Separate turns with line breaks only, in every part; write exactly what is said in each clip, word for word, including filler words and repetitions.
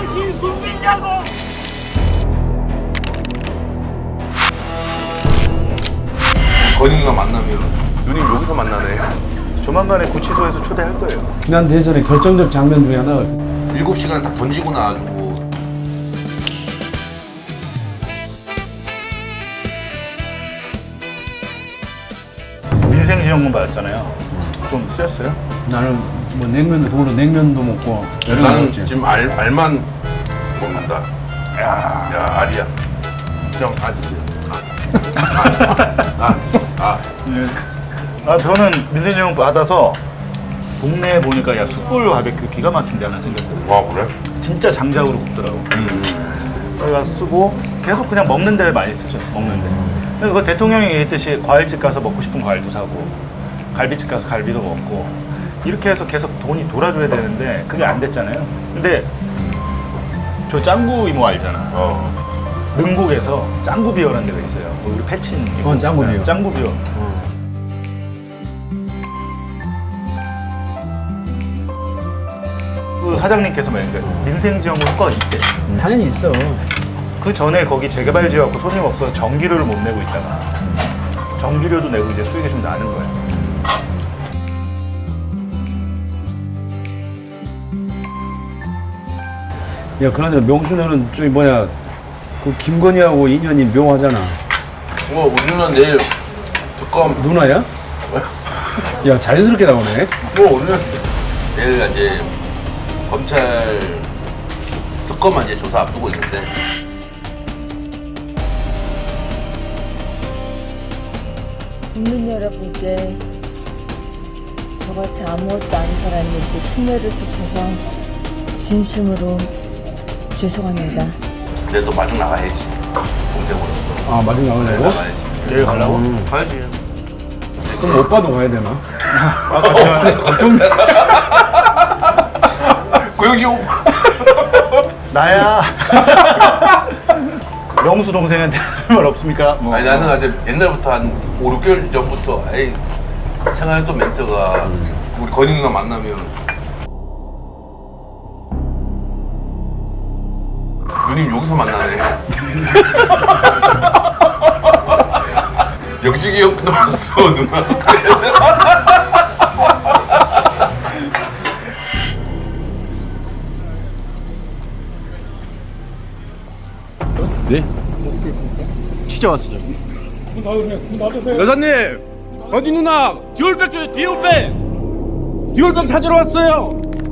당신 국민이냐고!
건인과 만나면 누님 여기서 만나네.
조만간에 구치소에서 초대할 거예요.
지난 대선의 결정적 장면 중에 하나가
일곱 시간 딱 던지고 나와주고.
민생지원금 받았잖아요. 좀 쓰였어요?
나는 뭐 냉면도 돈으로 냉면도 먹고 여러 가지
나는
먹지.
지금 알, 알만 먹는다. 야, 야 알이야. 형 알. 아, 아, 아.
네. 아 저는 민생지원금 받아서 동네에 보니까 야 숯불 바베큐 기가 막힌데 하나 생겼거든.
와 그래?
진짜 장작으로 굽더라고. 거기 가서 쓰고 계속 그냥 먹는 데 많이 쓰죠. 먹는 데. 근데 그거 대통령이 얘기했듯이 과일집 가서 먹고 싶은 과일도 사고 갈비집 가서 갈비도 먹고 이렇게 해서 계속 돈이 돌아줘야 되는데 그게 안 됐잖아요. 근데 저 짱구 이모 알잖아.
어.
능곡에서 짱구 비어라는 데가 있어요. 뭐 우리 패친 이모.
어, 짱구 비어.
네, 짱구 비어. 그 사장님께서 말했는데 민생지원금 효과가 있대.
당연히 있어.
그 전에 거기 재개발 지어갖고 손님 없어서 전기료를 못 내고 있다가 전기료도 내고 이제 수익이 좀 나는 거야.
야, 그러나 명수는 저기 뭐야 그 김건희하고 인연이 묘하잖아.
뭐 우리는 내일 특검.
누나야? 야, 자연스럽게 나오네.
뭐 우리는 내일 이제 검찰 특검만 이제 조사 앞두고 있는데.
국민 여러분께 저같이 아무것도 아닌 사람에게 신뢰를 끼쳐서 진심으로 죄송합니다.
근데 또 마중 나가야지. 동생으로서.
아, 마중 나가려고?
나가야지.
내일 가려고?
음.
가야지.
그럼 오빠도 가야 되나?
아까 제가
걱정돼.
고영지 오빠.
나야. 명수 동생한테 할 말 없습니까? 뭐.
아니 나는 아직 옛날부터 한 오, 육 개월 전부터 에이 생각했던 멘트가 우리 건희 누나 만나면 누님 여기서 만나네. 영식이 형 나왔어 누나.
여사님, 건희 누나 디올백 줘요, 디올백. 디올백 찾으러 왔어요.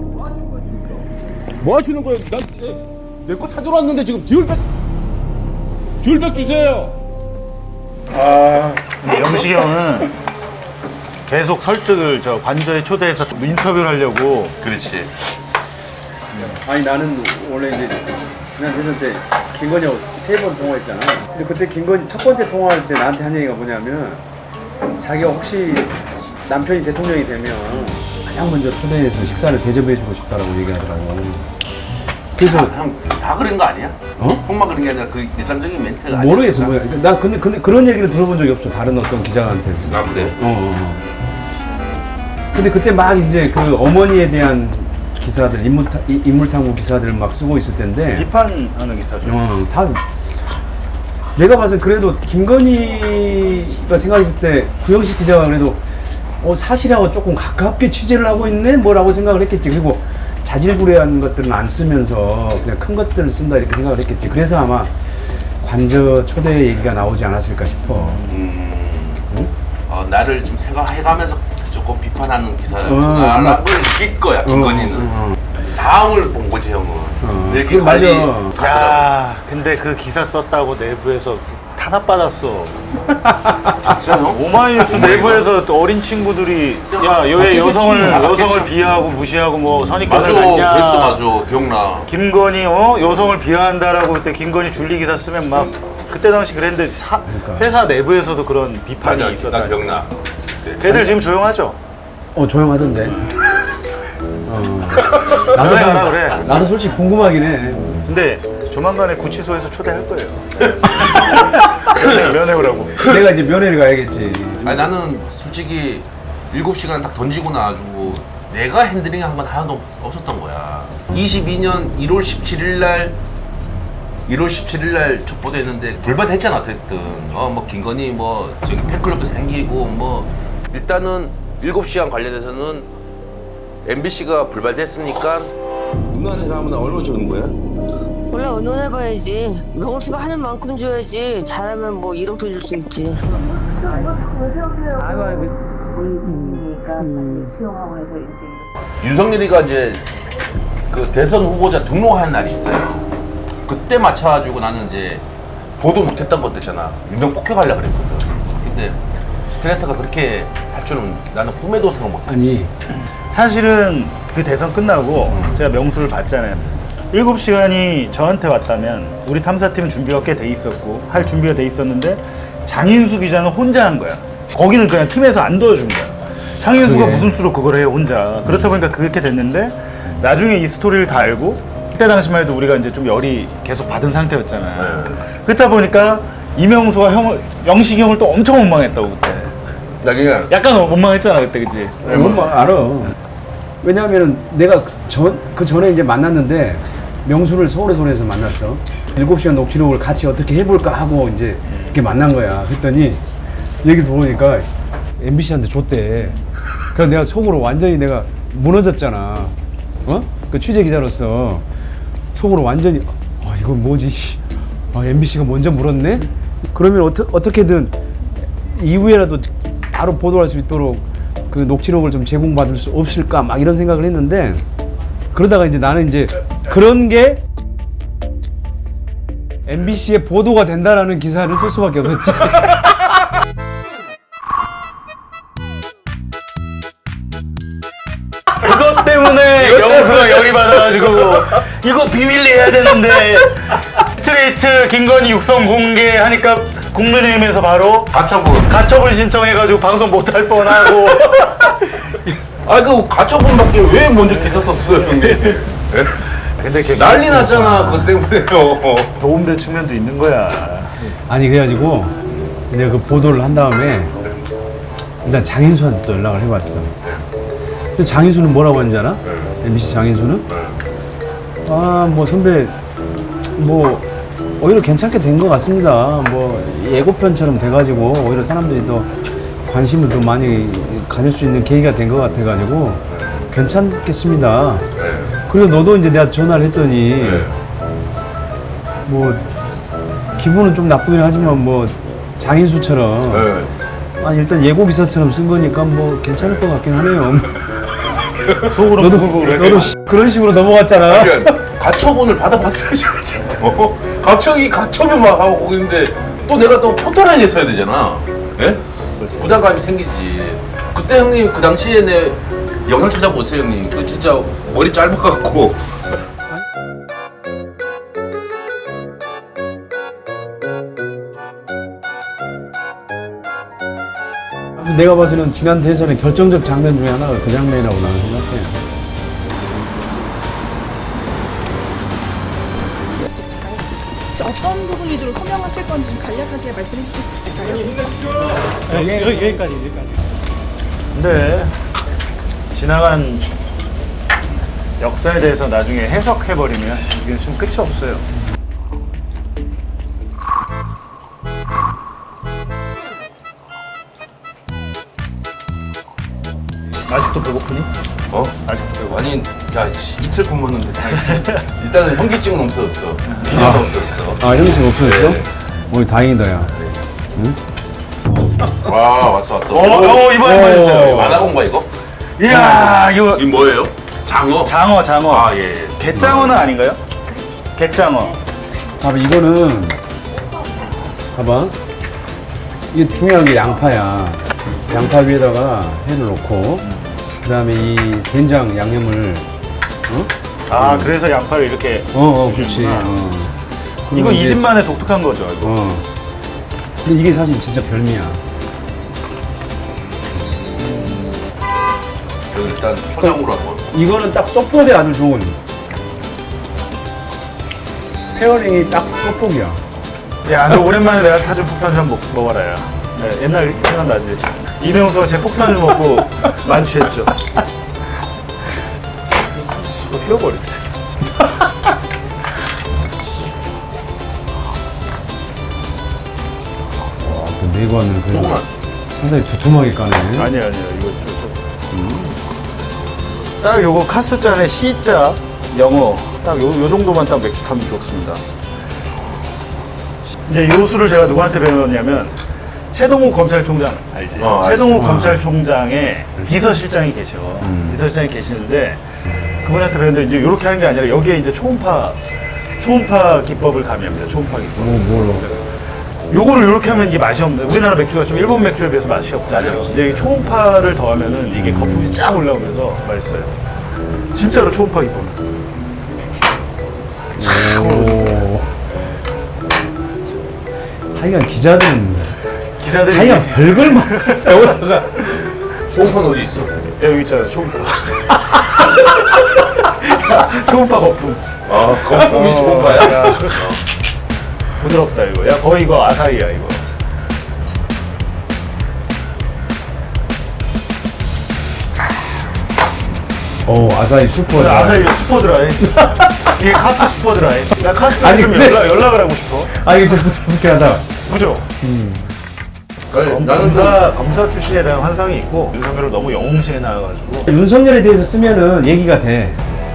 뭐 하시는 거예요? 난내 거 찾으러 왔는데 지금 디올백 디올백 주세요.
근데 영식이 형은 계속 설득을 저 관저에 초대해서 인터뷰를 하려고.
그렇지.
아니 나는 원래 이제 지난 대선 때 김건희하고 세 번 통화했잖아. 근데 그때 김건희 첫 번째 통화할 때 나한테 한 얘기가 뭐냐면 자기가 혹시 남편이 대통령이 되면 가장 먼저 초대해서 식사를 대접해주고 싶다라고 얘기하더라고. 그래서
형다 그런 거 아니야?
어?
형만 그런 게 아니라 그 일상적인 멘트가 아니야.
모르겠어 뭐야. 나 근데, 근데 그런 얘기를 들어본 적이 없어. 다른 어떤 기자한테.
나 그래.
어, 어, 어. 근데 그때 막 이제 그 어머니에 대한 기사들, 인물타, 이- 인물탐구 기사들 막 쓰고 있을 텐데
비판하는 기사죠.
어, 다 내가 봐서 그래도 김건희가 생각했을 때 구영식 기자가 그래도 어, 사실하고 조금 가깝게 취재를 하고 있네 뭐라고 생각을 했겠지. 그리고 자질구레한 것들은 안 쓰면서 그냥 큰 것들을 쓴다 이렇게 생각을 했겠지. 그래서 아마 관저 초대 얘기가 나오지 않았을까 싶어.
어, 나를 좀 생각해가면서 조금 비판하는
어,
기사라고 느낄 거야 김건희는.
어,
다음을 본 거지 형은. 이렇게
그래,
관리
맞아.
가더라고.
야, 근데 그 기사 썼다고 내부에서 탄압받았어.
진짜 형?
오마이뉴스 내부에서 또 어린 친구들이 야, 왜 여성을
아,
여성을
맞겠지.
비하하고 무시하고 뭐
맞아.
선입견을 갖냐.
그랬어 맞아. 기억나.
김건희 어 여성을 비하한다라고 그때 김건희 줄리 기사 쓰면 막 그때 당시 그랬는데 사, 회사 내부에서도 그런 비판이
맞아. 나
있었다.
기억나.
걔들 지금 조용하죠?
어 조용하던데. 어.
왜 알아 그래?
나도 솔직히 궁금하긴 해.
근데 조만간에 구치소에서 초대할 거예요. 면회, 면회 오라고.
내가 이제 면회를 가야겠지.
아니 나는 솔직히 일곱 시간 딱 던지고 나와주고 내가 핸들링 한 건 하나도 없었던 거야. 이십이 년 일월 십칠일 날 일월 십칠일 날 촉보됐는데 불발했잖아. 어쨌든 어뭐 김건희 뭐 저기 팬클럽도 생기고 뭐 일단은 일곱 시간 관련해서는 엠비씨가 불발됐으니까 누나한테 하면 얼마 주는 거야?
원래 의논해봐야지. 명수가 하는 만큼 줘야지. 잘하면 뭐 일억도 줄 수 있지.
윤석열이가 이제 그 대선 후보자 등록하는 날이 있어요. 그때 맞춰가지고 나는 이제 보도 못했던 것들 있잖아. 유명 폭격하려고 그랬거든. 근데 스트레이트가 그렇게 할 줄은 나는 꿈에도 생각 못했지.
아니
사실은 그 대선 끝나고 제가 명수를 봤잖아요. 일곱 시간이 저한테 왔다면 우리 탐사팀은 준비가 꽤 돼 있었고 할 준비가 돼 있었는데 장인수 기자는 혼자 한 거야. 거기는 그냥 팀에서 안 도와준 거야. 장인수가
그게.
무슨 수로 그걸 해요 혼자. 그렇다 보니까 그렇게 됐는데 나중에 이 스토리를 다 알고 그때 당시만 해도 우리가 이제 좀 열이 계속 받은 상태였잖아. 그렇다 보니까 이명수가 형, 영식이 형을 또 엄청 원망했다고 그때.
나 그냥
약간 원망했잖아 그때, 그치?
뭐 알아. 왜냐하면 내가 그 전, 그 전에 이제 만났는데 명수를 서울에서 서울에서 만났어. 일곱 시간 녹취록을 같이 어떻게 해볼까 하고 이제 이렇게 만난 거야. 그랬더니 얘기 들어보니까 엠비씨한테 줬대. 그래서 내가 속으로 완전히 내가 무너졌잖아. 어? 그 취재 기자로서 속으로 완전히 아 이건 뭐지? 아 엠비씨가 먼저 물었네? 그러면 어떠, 어떻게든 이후에라도 바로 보도할 수 있도록 그 녹취록을 좀 제공받을 수 없을까 막 이런 생각을 했는데 그러다가 이제 나는 이제 그런 게 엠비씨에 보도가 된다라는 기사를 쓸 수밖에 없었지.
그것 때문에 영수가 열이 받아가지고 이거 비밀리 해야 되는데 스트레이트 김건희 육성 공개하니까 국민의힘에서 바로
가처분.
가처분 신청해가지고 방송 못할 뻔하고
아 그 가처분밖에 왜 먼저 기사 썼어요 형님?
근데 걔
난리 났잖아 그것 때문에요.
도움될 측면도 있는 거야.
아니 그래가지고 내가 그 보도를 한 다음에 일단 장인수한테 또 연락을 해봤어. 근데 장인수는 뭐라고 하는지 알아? 엠비씨 장인수는? 아 뭐 선배 뭐 오히려 괜찮게 된 것 같습니다. 뭐 예고편처럼 돼가지고 오히려 사람들이 더 관심을 더 많이 가질 수 있는 계기가 된 것 같아가지고 괜찮겠습니다. 그리고 너도 이제 내가 전화를 했더니 뭐 기분은 좀 나쁘긴 하지만 뭐 장인수처럼
네.
아니 일단 예고 기사처럼 쓴 거니까 뭐 괜찮을 것 같긴 하네요.
속으로
너도
보고 그래.
너도 씨, 그런 식으로 넘어갔잖아.
그러니까 가처분을 받아봤어야지. 어? 갑자기 가처분만 하고 있는데 또 내가 또 포털라인에 써야 되잖아. 예? 부담감이 생기지. 그때 형님 그 당시에 내 영상 찾아보세요 형님. 그 진짜 머리 짧아갖고
내가 봐서는 지난 대선의 결정적 장면 중에 하나가 그 장면이라고 나는 생각해.
혹시 어떤 부분 위주로 소명하실 건지 좀 간략하게 말씀해 주실 수 있을까요?
네, 여기, 여기까지 여기까지. 근데 지나간 역사에 대해서 나중에 해석해버리면 이게 좀 끝이 없어요. 아직도 배고프니?
어?
아직도 배고파.
아니 야 씨, 이틀 굶었는데 다행이다. 일단은 현기증은 없어졌어. 미련도 없어졌어.
아 현미증 없어졌어?
네.
오 다행이다 야.
와 왔어 왔어.
어, 어 이번에
어.
맞았어요.
만화공가 이거?
이야 이거
이 뭐예요? 장어?
장어 장어.
아 예. 예.
갯장어는 아닌가요? 갯장어.
봐봐 이거는 봐봐 이게 중요한 게 양파야. 양파 위에다가 회를 넣고 그 다음에 이 된장 양념을 어?
아 그래서 양파를 이렇게.
어어 그렇지. 어.
이거
그리고
이
이제-
집만의 독특한 거죠. 이거.
어. 근데 이게 사실 진짜 별미야.
그 일단 초장으로 한번.
이거는 딱 소포대 아주 좋은 페어링이 딱 소폭이야.
야, 너 오랜만에 내가 타준 폭탄 좀 먹, 먹어라, 야. 네, 옛날 생각나지? 이명수가 제 폭탄을 먹고 만취했죠. 또 휘어버리네.
와, 그 내관을 그래도
조금만.
상당히 두툼하게 까네.
아니야 아니야 이거 좀, 좀. 딱 요거 카스잔의 C자 영어 딱 요 요 정도만 딱 맥주 타면 좋습니다. 이제 요 술을 제가 누구한테 배웠냐면 최동욱 검찰총장 알지?
어, 알지.
최동욱 검찰총장의 비서실장이 계셔. 비서실장이 계시는데 그분한테 배웠는데 이제 이렇게 하는 게 아니라 여기에 이제 초음파 초음파 기법을 가미합니다. 초음파 기법.
뭐, 뭐로?
요거를 이렇게 하면 이게 맛이 없는데 우리나라 맥주가 좀 일본 맥주에 비해서 맛이 없잖아요.
맞아요.
근데 이 초음파를 더하면은 이게 거품이 쫙 올라오면서 맛있어요. 진짜로 초음파 기법.
오. 하여간 기자들은
기자들이
하여간 별걸 막 배우다가
초음파는 어디 있어?
야, 여기 있잖아 초음파. 초음파 거품.
아, 거품이
어,
초음파야?
야. 부드럽다 이거. 야 거의 이거 아사히야 이거.
어 아사히 슈퍼.
오늘 아사히 슈퍼드라이. 이게 카스 슈퍼드라이. 나 카스도
아니,
좀
근데-
연락, 연락을 하고 싶어.
아 이게 좀 불쾌하다.
그죠?
나는
검사 검사 출신에 대한 환상이 있고 윤석열을 너무 영웅시해 나와가지고
윤석열에 대해서 쓰면은 얘기가 돼.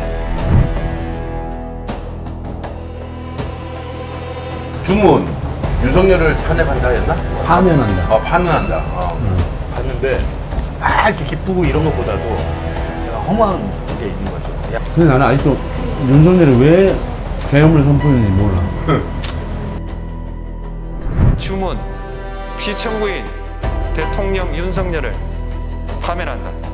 주문 윤석열을 탄핵한다 했나?
파면한다.
아, 파면한다. 어.
봤는데 막 이렇게 기쁘고 이런 것보다도 약간 허무한 게 있는 거죠. 야,
근데 나는 아직도 윤석열이 왜 계엄을 선포했는지 몰라.
주문 피청구인 대통령 윤석열을 파면한다.